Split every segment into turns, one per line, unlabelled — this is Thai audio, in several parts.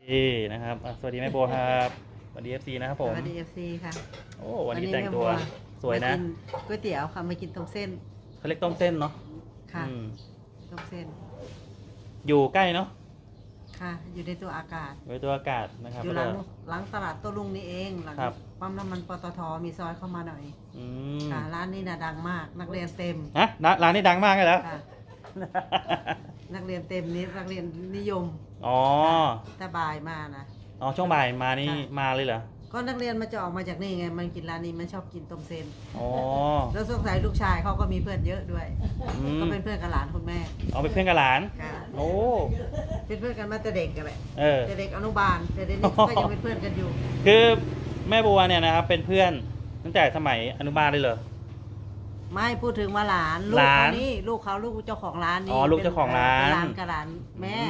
นะครับสวัสดีแม่โบครับสวัสดีFCนะครับผม
สวัสดีFCค่ะ
โอ้วันนี้แต่งตัวสวยนะ
มากิก๋วยเตี๋ยวค่ะมากินต้มเส้น
เขาเรียกต้มเส้นเนาะ
ค่ะต้มเส้น
อยู่ใกล้เนาะ
ค่ะอยู่ในตัวอากาศ
อยู่ในตัวอากาศนะครับ
อยู่หลังตลาดโต้รุ่งนี่เองหลังปั๊มน้ำมันปตทมีซอยเข้ามาหน่อยค่ะร้านนี้น่ะดังมากนักเรียนเต็ม
ฮะร้านนี้ดังมากเลยแล้ว
นักเรียนเต็มนี้นักเรียนนิยม
อ๋อ
แต่บ่ายมานะ
อ๋อช่วงบ่ายมานี่มาเลยเหรอ
ก็นักเรียนมาจะออกมาจากนี่ไงมันกินร้านนี้มันชอบกินต้มเส้น
อ๋อ
แล้วสงสัยลูกชายเขาก็มีเพื่อนเยอะด้วยก็เป็นเพื่อนกับหลานคุณแม่
อ๋อเป็นเพื่อนกับหลานโอ้
เป็นเพื่อนกันมาแต่เด็กกันแหละแต่เด็กอนุบาลแต่เด็กนี่ก็ยังเป็นเพื่อนกันอยู่
คือแม่บัวเนี่ยนะครับเป็นเพื่อนตั้งแต่สมัยอนุบาลเลยเหรอ
ไม่พูดถึงว่าหลานลูกเขานี่ลูกเขาลูกเจ้าของร้านนี่
อ๋อลูกเจ้าของร้าน
หลานกับหลานแม่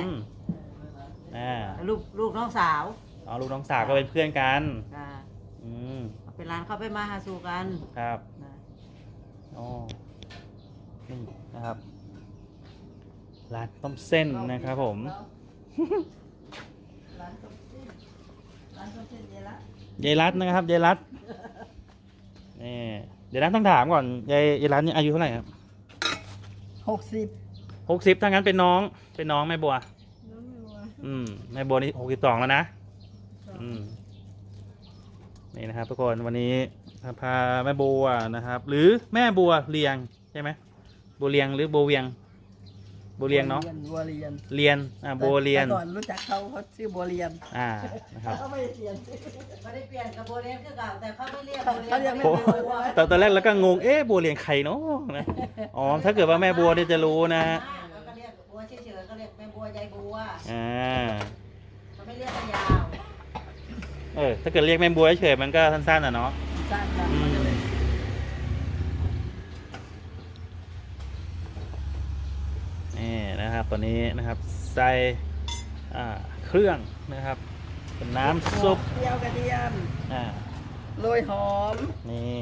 ลูกน้องสาว
อ๋อลูกน้องสาวก็เป็นเพื่อนกัน
เป็นร้านเขาไปมาหาสู่กัน
ครับอ๋อนี่นะครับร้านต้มเส้นนะครับผม
ร้านต้มเส้น
ยายรัตนะครับยายรัตนี่เดี๋ยวต้องถามก่อนยายรัตนี่อายุเท่าไหร่ครับ60ถ้างั้นเป็นน้องแม่บัวแม่บัวนี่62แล้วนะนี่นะครับทุกคนวันนี้พาแม่บัวนะครับหรือแม่บัวเรียงใช่ไหมบัวเรียงหรือบัวเวียงบัวเรียงเนาะ
บัวเรียน
บัวเรียน
ก่อนรู้จักเขาชื่อบัวเรียน
นะครับ
เขาไม่ได้เปลี่ยนกับบัวเรียนคือเก่าแต่เขาไม่เรียกบัวเรียนเขาเรียกแม่บัว
ตอนแรกแล้วก็งงบัวเรียงใครเนาะนะอ๋อถ้าเกิดว่าแม่บัวเนี่ยจะรู้นะ
เขาเรียกบัวเฉยๆเขาเรียกแม่บัวยายบัวเขาไม่เรียกยาว
ถ้าเกิดเรียกแม่บัวเฉยมันก็สั้นๆเนาะ
สั้น
นี่นะครับตอนนี้นะครับใส่เครื่องนะครับเป็นน้ำซุป
เจียวกระเทียมโรยหอม
นี่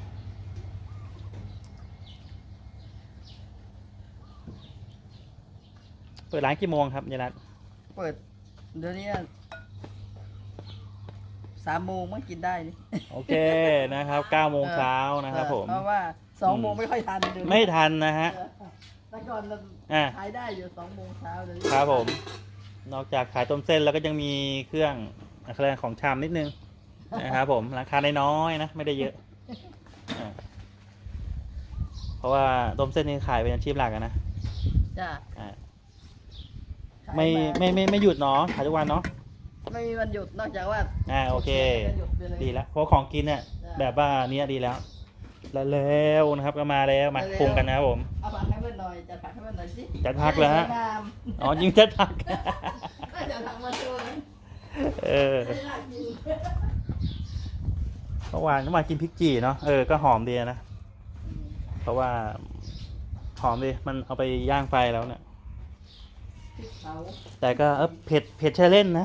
เปิดร้านกี่โมงครับยายรัต
เปิดเดี๋ยวนี้3 โมงมันกินได้นี่
โอเคนะครับ9 โมงเช้านะครับผม
เพราะว่า2 โมงไม่ค่อยทัน
ไม่ทันนะฮะ
แต่ก่อนขายได้อยู่2 โมงเช้าเลย
ครับผมนอกจากขายต้มเส้นแล้วก็ยังมีเครื่องของชามนิดนึงนะครับผมราคาน้อยๆนะไม่ได้เยอะเพราะว่าต้มเส้นนี่ขายเป็นอาชีพหลักนะ
จ้ะ
ไม่หยุดเนาะขายทุกวันเนาะ
ไม่มีวันหยุดนอกจากว่า
โอเคดีแล้วเพราะของกินเนี่ยแบบว่านี้ดีแล้วแล้วนะครับก็มาแล้วมาปรุงกันนะครับผม
เอาผักให้เพื่อนหน่อยจัดผักให้เพื่อนหน่อยสิ
จัดผักเลยฮะอ๋อยิงจัดผัก
จัดผักมาช่วย
เมื่อวานกินพริกจี่เนาะก็หอมดีนะเพราะว่าหอมดีมันเอาไปย่างไฟแล้วเนี่ยแต่ก็เผ็ดใช่เล่นนะ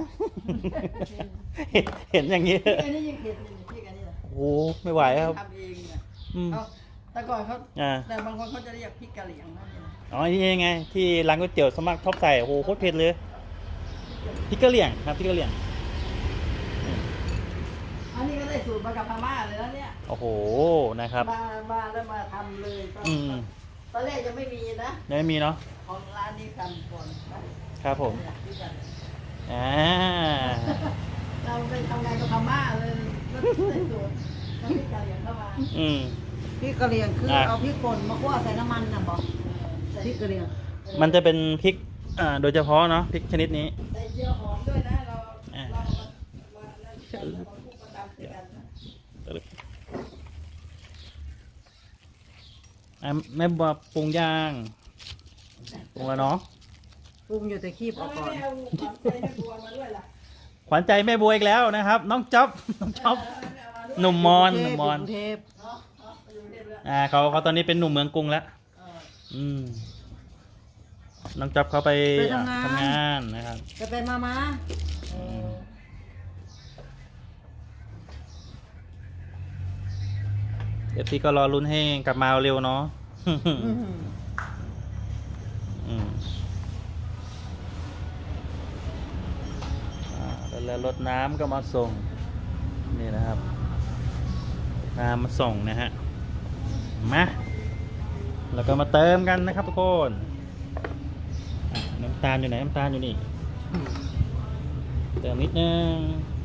เห็นอย่างนี้โอ้ไม่ไหวครับ
แต่ก่อนเขาแต่บางคนเขาจะเรียกพริกกะเหรี่ยง
อ๋อนี่ไงที่ร้านก๋วยเตี๋ยวสมัครชอบใส่โอ้โหโคตรเผ็ดเลยพริกกะเหรี่ยงครับพริกกะเหรี่ยง
อันนี้ก็ได้สูตรมากับพม่าเลยแล้วเนี่ย
โอ้โหนะครับ
มาแล้วมาทำเลยตอนแรกยังไม่มีนะ
ยังไม่มีเนาะ
ของร้านนี้ทำก่อน
ครับผม
เราไปทำงานกับพม่าเลยก็ได้สูตรพริกกะเหรี่ยงเข้ามาพริกกะเหรี่ยงคือเอาพริกป่นมาคั่วใส่น้ำมันนะบอกพริกกะเหรี่ยง
มันจะเป็นพริกโดยเฉพาะเนาะพริกชนิดนี้
ใส่เจียวหอมด้วยนะเรา
แม่บัวปรุงย่างปรุงแล้วเนาะ
ปรุงอยู่แต่คีบออกก่อน
ขวัญใจแม่บัวอีกแล้วนะครับน้องจ๊อบหนุ่มมอนเขาตอนนี้เป็นหนุ่มเมืองกรุงแล้วน้องจ๊อบเขาไปทำงานนะครับ
จะไปมา
พี่ก็รอลุ้นให้กลับมาเร็วเนาะแล้วรถน้ำก็มาส่งนี่นะครับน้ำมาส่งนะฮะมาแล้วก็มาเติมกันนะครับทุกคนน้ำตาลอยู่ไหนน้ำตาลอยู่นี่เติมนิดนึง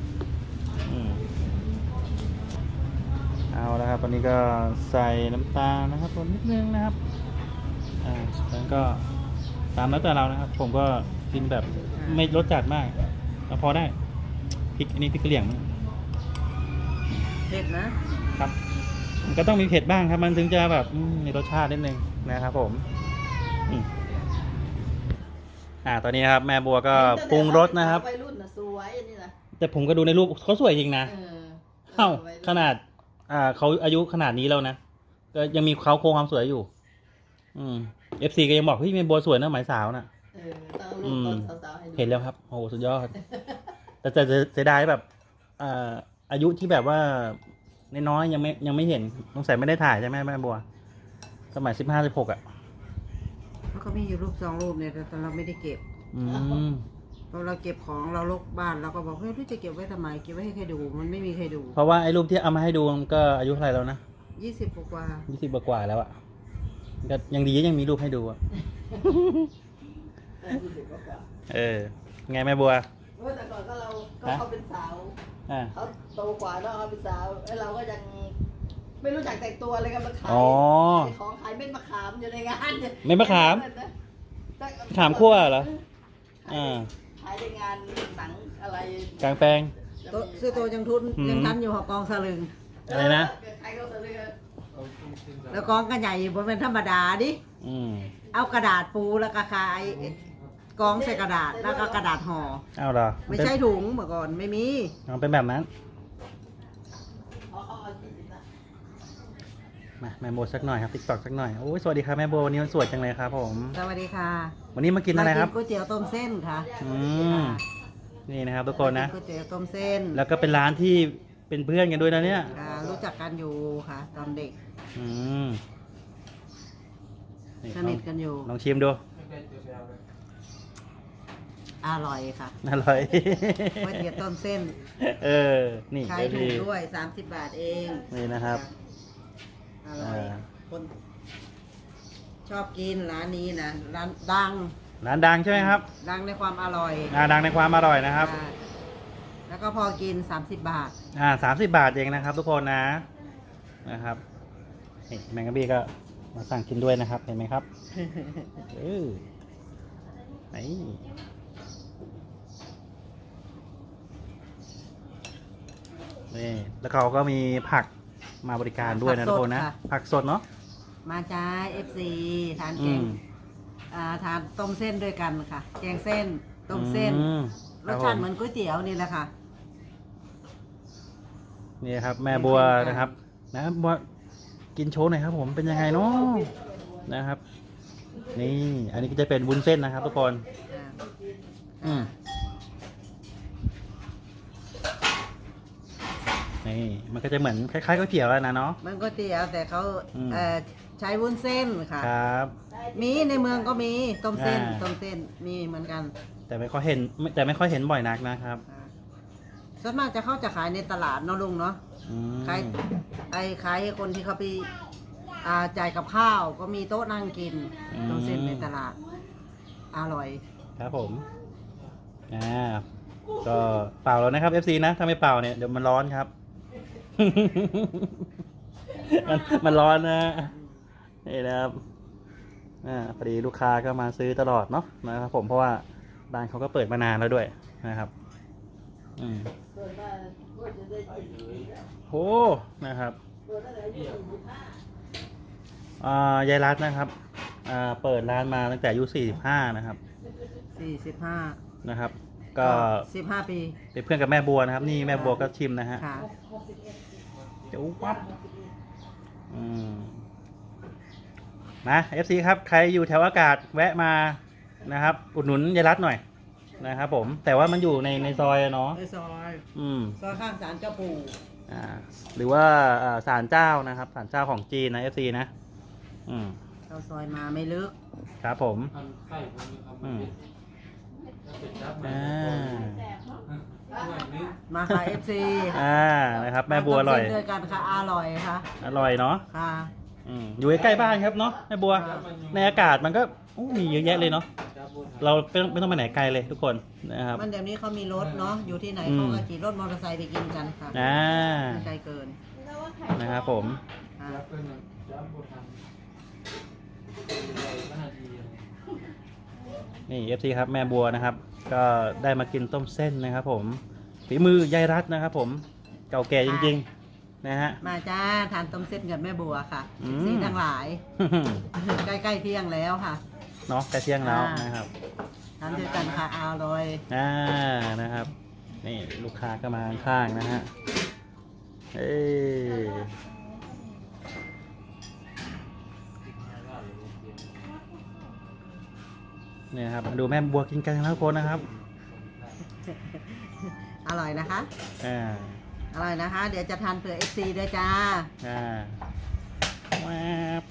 เอาแล้วครับตอนนี้ก็ใส่น้ำตาลนะครับนิดนึงนะครับแล้วก็ตามแล้วแต่เรานะครับผมก็กินแบบไม่รสจัดมากแล้วพอได้พริกอันนี้พริกกะเหรี่ยง
เผ็ดนะครับ
มันก็ต้องมีเผ็ดบ้างครับมันถึงจะแบบมีรสชาตินิดนึงนะครับผมตอนนี้นะครับแม่บัวก็ปรุงรสนะครับ
วัยรุ่นน่ะสวยอันนี้นะ
แต่ผมก็ดูในรูปเขาสวยจริงนะขนาดเขาอายุขนาดนี้แล้วนะก็ยังมีเขาโครงความสวยอยู่FC ก็ยังบอกพี่แม่บัวสวยนะหมายสาวนะ
ต้องรูปตอนสาวๆให้ดู
เห็นแล้วครับโอ้โหสุดยอดแต่เสียดายแบบอายุที่แบบว่าน้อยๆยังไม่เห็นสงสัยไม่ได้ถ่ายใช่ไหมแม่บัวสมัย15-16
แล้วก็มีอยู่รูป2 รูปเนี่ยแต่เราไม่ได้เก็บพอเราเก็บของเราลกบ้านเราก็บอกเฮ้ยรู้จะเก็บไว้ทำไมเก็บไว้ให้ใครดูมันไม่มีใครดู
เพราะว่าไอ้รูปที่เอามาให้ดูมันก็อายุเท่าไหร่แล้วนะ
20 กว่า
20 กว่าแล้วอะก็ยังดียังมีรูปให้ดูอะไงแม่บัว
แต่ก่อนก็เขาเป็นสาวเขาโตกว่าแล้วเขาเป็นสาวแล้วเราก็ยังไม่รู้จักแต่งตัวอะไรกันมาขายของขายเม็ดมะขามอยู่ในงาน
เม็ดมะขามขามคั่วเหรอ
ขายในงานหนังอะไร
กลางแปลง
ซื้อตัวยังทันอยู่หอกองสลึง
อะไรนะ
แล้วกองกันใหญ่บนเป็นธรรมดาดิเอากระดาษปูแล้วก็ขายกองใส่กระดาษแล้วก็กระดาษห่อ
เอาเหรอ
ไม่ใช่ถุงเมื่อก่อนไม่มี
เป็นแบบนั้นมาแม่โบสักหน่อยครับติ๊กต็อกสักหน่อยโอ้ยสวัสดีครับแม่โบวันนี้มันสวยจังเลยครับผม
สวัสดีค่ะ
วันนี้มากินอะไรครับ
ก๋วยเตี๋ยวต้มเส้นค่ะ
นี่นะครับทุกคนนะ
ก๋วยเตี๋ยวต้มเส้น
แล้วก็เป็นร้านที่เป็นเพื่อนกันด้วยนะเนี่ย
รู้จักกันอยู่ค่ะตอนเด็กสนิทกันอยู่
ลองชิมดู
อร่อยค่ะ
อร่อย
ก๋วยเตี๋ยวต้มเส้น
นี่
ขายถูกด้วย30 บาทเอง
นี่นะครับ
อร่อยคนชอบกินร้านนี้นะร้านดัง
ใช่ไหมครับ
ดังในความอร่อย
ดังในความอร่อยนะครับ
แล้วก็พอกิน30 บาท
30 บาทเองนะครับทุกคนนะครับแมงกะบี้ก็มาสั่งกินด้วยนะครับเห็นไหมครับนี่แล้วเขาก็มีผักมาบริการด้วยนะทุกคนนะผักสดเนาะ
มาจ้า FC ทานแกงทานต้มเส้นด้วยกันค่ะแกงเส้นต้มเส้นรสชาติเหมือนก๋วยเตี๋ยวนี่แหละค่ะ
นี่ครับแม่บัวนะครับบัวกินโชว์หน่อยครับผมเป็นยังไงเนาะนะครับนี่อันนี้ก็จะเป็นวุ้นเส้นนะครับทุกคนนี่มันก็จะเหมือนคล้ายๆก๋วยเตี๋ยวแล้วนะเนาะ
มันก๋วยเตี๋ยวแต่เขาใช้วุ้นเส้นค่ะ
ครับ
มีในเมืองก็มีต้มเส้นมีเหมือนกัน
แต่ไม่ค่อยเห็นบ่อยนักนะครับ
ส่วนมากจะขายในตลาดเนาะลุงเนาะขายให้คนที่เขาไปจ่ายกับข้าวก็มีโต๊ะนั่งกินต้มเส้นในตลาดอร่อย
ครับผมก็เป่าแล้วนะครับ FC นะถ้าไม่เป่าเนี่ยเดี๋ยวมันร้อนครับ มันร้อนนะนี่นะครับพอดีลูกค้าก็มาซื้อตลอดเนาะนะครับผมเพราะว่าร้านเขาก็เปิดมานานแล้วด้วยนะครับโอ้นะครับยายรัตน์นะครับเปิดร้านมาตั้งแต่อายุ45นะครับ
45
นะครับก็
15 ปี
เป็นเพื่อนกับแม่บัวนะครับนี่แม่บัวก็ชิมนะฮะเดี๋ยวปั๊บนะ FC ครับใครอยู่แถวอากาศแวะมานะครับอุดหนุนยายรัตน์หน่อยนะครับผมแต่ว่ามันอยู่ในซอยเนาะ
ในซอยข้างศาลเจ้าปู่
หรือว่าศาลเจ้านะครับศาลเจ้าของจีนนะ FC นะ
เข้าซอยมาไม่ลึก
ครับผม
มาค่ะ FC
นะครับแม่บัวอร่อย
ทำเส้นด้วยกันค่ะอร่อยค่ะ
อร่อยเนาะ
ค่ะ
อยู่ใกล้ๆบ้านครับเนาะแม่บัว
ครับ
ในอากาศมันก็มีเยอะแยะเลยเนาะเราไม่ต้องไปไหนไกลเลยทุกคนนะครับ
มันเดี๋ยวนี้เขามีรถเนาะอยู่ที่ไหน
อืม
เขาก็ขี่รถมอเตอร์ไซค์ไปกินกันค่ะ
อ่า
ไม่ไกลเกิน
นะครับผม
ค่ะ
นี่ FC ครับแม่บัวนะครับ ก็ได้มากินต้มเส้นนะครับผมฝีมือยายรัตนะครับผมเก่าแก่จริงๆนะฮะ
มาจ้าทานต้มเส้นกับแม่บัวค่ะ
อืม
สีทั้งหลาย ใกล้ๆเที่ยงแล้วค่ะ
เนาะใกล้เที่ยงแล้ว
อ่าน
นะครับ
ทานด้วยกันค่ะอร่อย
นะครับนี่ลูกค้าก็มาข้างๆนะฮะเอ้ยเนี่ยครับมาดูแม่บัวกินกันทุกคนนะครับ
อร่อยนะคะ
อ่า
อร่อยนะคะ เดี๋ยวจะทานเผื่อ FC ด้วยจ้า
อ่าแวบ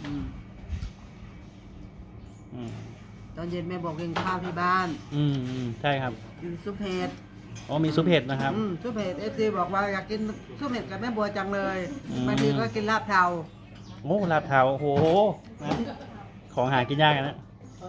อืม
ตอนเย็นแม่บอกกินข้าวที่บ้าน
ใช่ครับ
กินซุปเห็ด
อ๋อมีซุปเห็ดนะครับ
ซุปเห็ด FC บอกว่าอยากกินซุปเห็ดกับแม่บัวจังเลย
อืม
บางทีก็กินลาบเทา
โอ้ลาบเทาโอ้โหนะของหากินยากนะ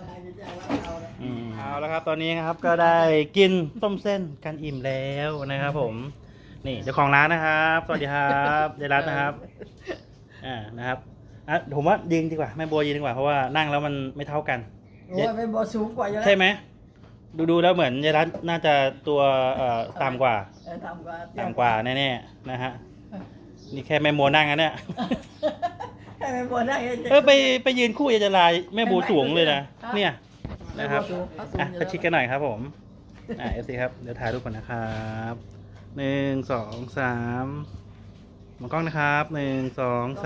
เอาแล้วครับตอนนี้ครับก็ได้กินต้มเส้นกันอิ่มแล้วนะครับผมนี่เจ้าของร้านนะครับ สวัสดีครับยายรัตน์นะครับนะครับผมว่ายืนดีกว่าแม่บัวยืนดีกว่าเพราะว่านั่งแล้วมันไม่เท่ากัน
โอ้ยเป็นบัวสูงกว่าอยู่แล้ว
ใช่ไหมดูแล้วเหมือนยายรัตน์น่าจะตัวต่ำกว่า
ต่ำกว่า
แน่ๆนะฮะนี่แค่แม่บัวนั่งนะเนี่ย
ให้แม่บัวได้
ไปยืนคู่ยายจะลายแม่บัวสูงเลยนะเนี่ยนะครับประชิดกันหน่อยครับผมเอฟซีครับเดี๋ยวถ่ายรูปก่อนนะครับ1 2 3มองกล้องนะครับ1 2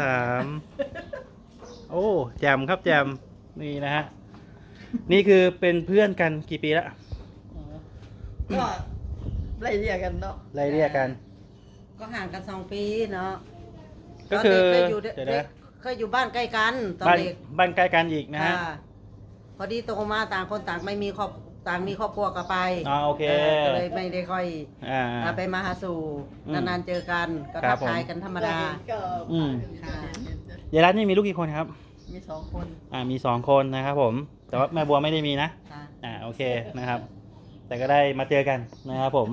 3โอ้แจมครับแจมนี่นะฮะนี่คือเป็นเพื่อนกันกี่ปีแล้ว
ก็ไล่เรียกกันเนาะ
ไล่เรียกกัน
ก็ห่างกัน2 ปีเนาะ
ก็คือ
ตนเด็เคยอยู่
เดี๋ยวนะ
เคยอยู่บ้านใกล้กันตอน
บ้าน
เด็ก
บ้านใกล้กันอีกนะฮะ
ค่ะพอดีโตมาต่างคนต่างไม่มีครอบต่างมีครอบครัวกันไป
โอเค
ก็เลยไม่ได้ค่อย ไปมาหาสู่
อืม
นานๆเจอกันก็
ครั
ทั
บ
ก
ผม
ทายกันธรรมดา
ก็
อืม
ค่ะ
ยายรัตน์นี่มีลูกกี่คนครับ
มี2 คน
มี2 คนนะครับผม แต่ว่าแม่บัวไม่ได้มีนะ
ค่ะ
โอเคนะครับ แต่ก็ได้มาเจอกันนะครับผม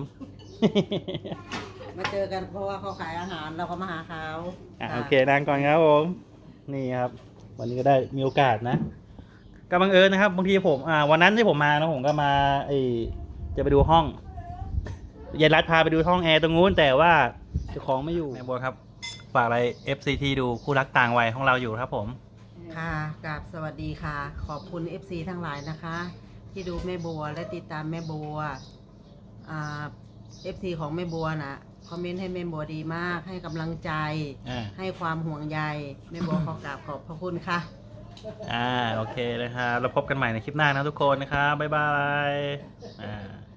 มาเจอกันเพราะว่าเขาขายอาหารเราก็มาหาเขา
โอเคนั่งก่อนครับผม นี่ครับ วันนี้ก็ได้มีโอกาสนะก็บังเอิญนะครับบางทีผมวันนั้นที่ผมมานะผมก็มาจะไปดูห้องยายรัตน์พาไปดูห้องแอร์ตรงนู้นแต่ว่าเจ้าของไม่อยู่แม่บัวครับฝากอะไร FCT ดูคู่รักต่างวัยของเราอยู่ครับผม
ค่ะกราบสวัสดีค่ะ ขอบคุณ FC ทั้งหลายนะคะ ที่ดูแม่บัวและติดตามแม่บัวFC ของแม่บัวนะคอมเมนต์ให้แม่บัวดีมาก ให้กำลังใจ ให้ความห่วงใยแม่บัวขอกราบขอบพระคุณค่ะ
โอเคนะครับเราพบกันใหม่ในคลิปหน้านะทุกคนนะครับบ๊ายบาย